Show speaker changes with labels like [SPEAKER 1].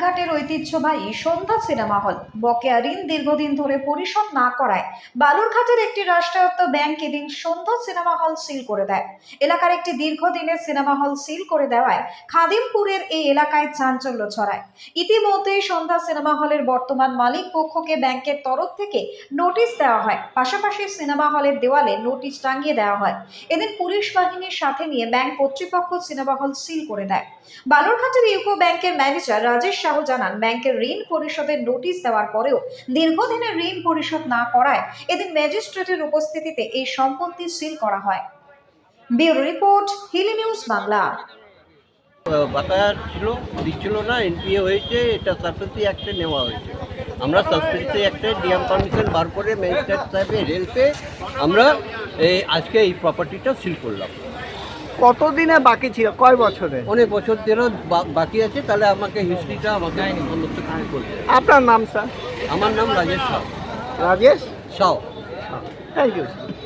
[SPEAKER 1] বালুরঘাটের ঐতিহ্যবাহী সন্ধ্যা cinema hall বকেয়া ঋণ দীর্ঘদিন ধরে পরিশোধ না করায় বালুরঘাটের একটি রাষ্ট্রায়ত্ত ব্যাংক এদিন সন্ধ্যা সিনেমা হল সিল করে দেয়। এলাকার একটি দীর্ঘদিনের সিনেমা হল সিল করে দেওয়ায় খাদিমপুরের এই এলাকায় চাঞ্চল্য ছড়ায়। ইতিমধ্যেই সন্ধ্যা সিনেমা হলের বর্তমান মালিক পক্ষকে ব্যাংকের তরফ থেকে নোটিশ দেওয়া হয়, পাশাপাশি সিনেমা হলের দেওয়ালে নোটিশ টাঙিয়ে দেওয়া হয়। এদিন পুলিশ বাহিনীর সাথে নিয়ে ব্যাংক কর্তৃপক্ষ সিনেমা হল সিল করে দেয়। বালুরঘাটের ইউকো ব্যাংকের ম্যানেজার রাজেশ সাহু জানান, ব্যাংকের ঋণ পরিশোধের নোটিশ দেওয়ার পরেও দীর্ঘদিনের ঋণ পরিশোধ না করায় এদিন ম্যাজিস্ট্রেটের উপস্থিতিতে এই সম্পত্তি সিল করা হয়। Bureau report, Hili news Bangla.
[SPEAKER 2] বাকায়া ছিল, দিচ্ছিল না, এনপিএ হয়েছে, এটা সাসপেন্সি অ্যাক্টে নেওয়া হয়েছে। আমরা সাসপেন্সি অ্যাক্টে ডিএম পারমিশন বার করে ম্যাজিস্ট্রেট সাহেবের হেল্পে আমরা আজকে এই প্রপার্টিটা সিল করলাম।
[SPEAKER 3] কতদিনে বাকি ছিল, কয় বছরে?
[SPEAKER 2] অনেক বছর ধরে বাকি আছে, তাহলে আমাকে হিস্ট্রিটা আমাকে সমস্ত কিছু করতে হবে।
[SPEAKER 3] আপনার নাম স্যার?
[SPEAKER 2] আমার নাম রাজেশ সাউ।
[SPEAKER 3] রাজেশ
[SPEAKER 2] সাউ।
[SPEAKER 3] Thank you.